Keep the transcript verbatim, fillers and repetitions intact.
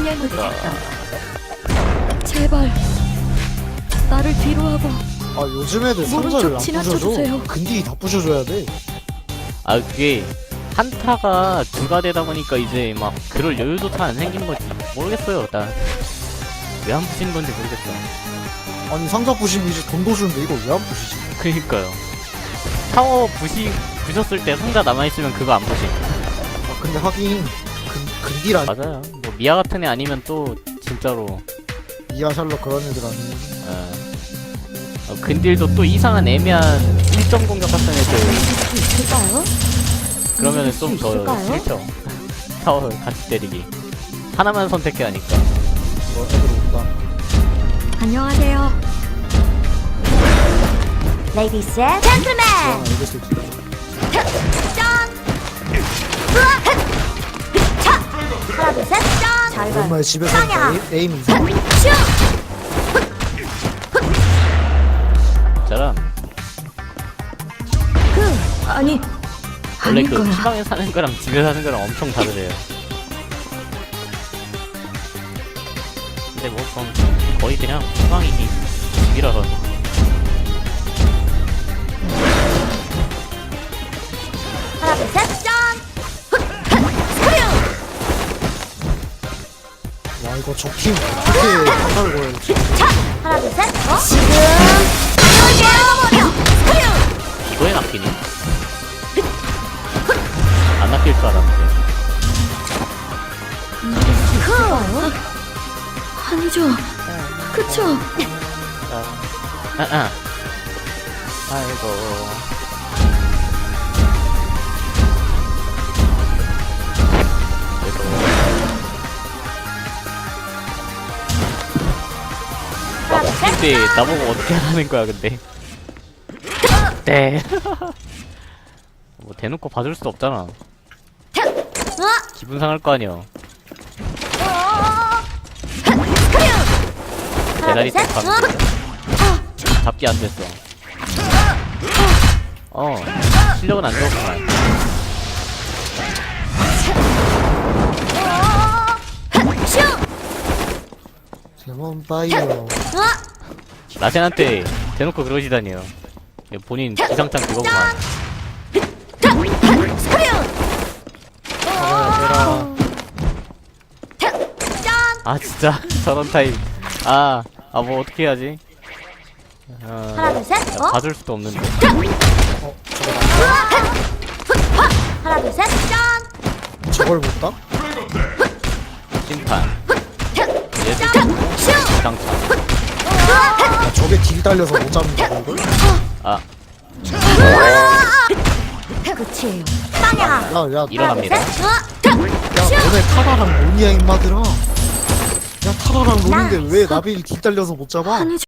정렬 모드 작동. 제발 나를 뒤로 하고 아 요즘 애들 모른 상자를 척 안 지나쳐주세요. 부셔줘. 근딜이 다 부셔줘야 돼. 아 그게 한타가 두가 되다 보니까 이제 막 그럴 여유조차 안 생긴 거지. 모르겠어요. 난 왜 안 부시는 건지 모르겠어. 아니 상자 부시면 이제 돈도 주는데 이걸 왜 안 부시지? 그니까요. 타워 부시 부셨을 때 상자 남아 있으면 그거 안 부심. 아 근데 하긴 근, 근딜 아니 맞아요. 뭐 미아 같은 애 아니면 또 진짜로 이하 샬럿 그런 애들 아니. 어, 어, 근딜도 또 이상한 애매한 일 점 공격 같은 애들 있을까요? 그러면은 수 좀 더 있을까요? 싫죠. 타워 같이 때리기. 하나만 선택해야 하니까. 뭐 애들 온다. 안녕하세요. Ladies and gentlemen. 아 이길 수 있지. 짠. 차. 하나 둘 셋. 짠. 잘 봐. 오랜만에 집에서 빵야. 하니까 에임, 에임 이상. 슈. 저랑 그 아니 원래 아닐 그 거야. 피방에 사는 거랑 집에 사는 거랑 엄청 다르대요. 근데 뭐 전 거의 그냥 피방이 집이라서. 하나 둘 셋. 짠. 스크류. 와 이거 적팀 어떻게 상자를 걸어야지? 차. 하나 둘 셋. 어? 지금 버려. 스크류. 이거에 낚이니? 안 낚일 줄 알았는데. 있을까요? 아니죠. 그쵸? 아, 아. 아이고. 그래도 하나 둘 셋. 근데 나보고 어떻게 하라는 거야 근데. 네. 뭐 대놓고 봐줄 수 없잖아. 어? 기분 상할 거 아니야. 대다리 딱 가면 잡기 안 됐어. 어 실력은 안 좋았구만. 데몬 파이어. 라센한테 대놓고 그러시다니요. 본인 기상창 그거구만. 잡아야 아 진짜 저런 타입. 아, 아 뭐 어떻게 해야지? 어, 하나 둘 셋. 야, 어? 봐줄 수도 없는데. 어 저거 하나 둘 셋. 짠. 나 저걸 못 다? 심판. 얘도 기상창. 아, 저게 딜 달려서 못 잡는다고 이걸? 아 끝이에요. 빵야. 야야 일어납니다. 야 너네 타라랑 론이야 임마들아. 야 타라랑 론인데 왜 나빌 딜 달려서 못 잡아? 아니죠.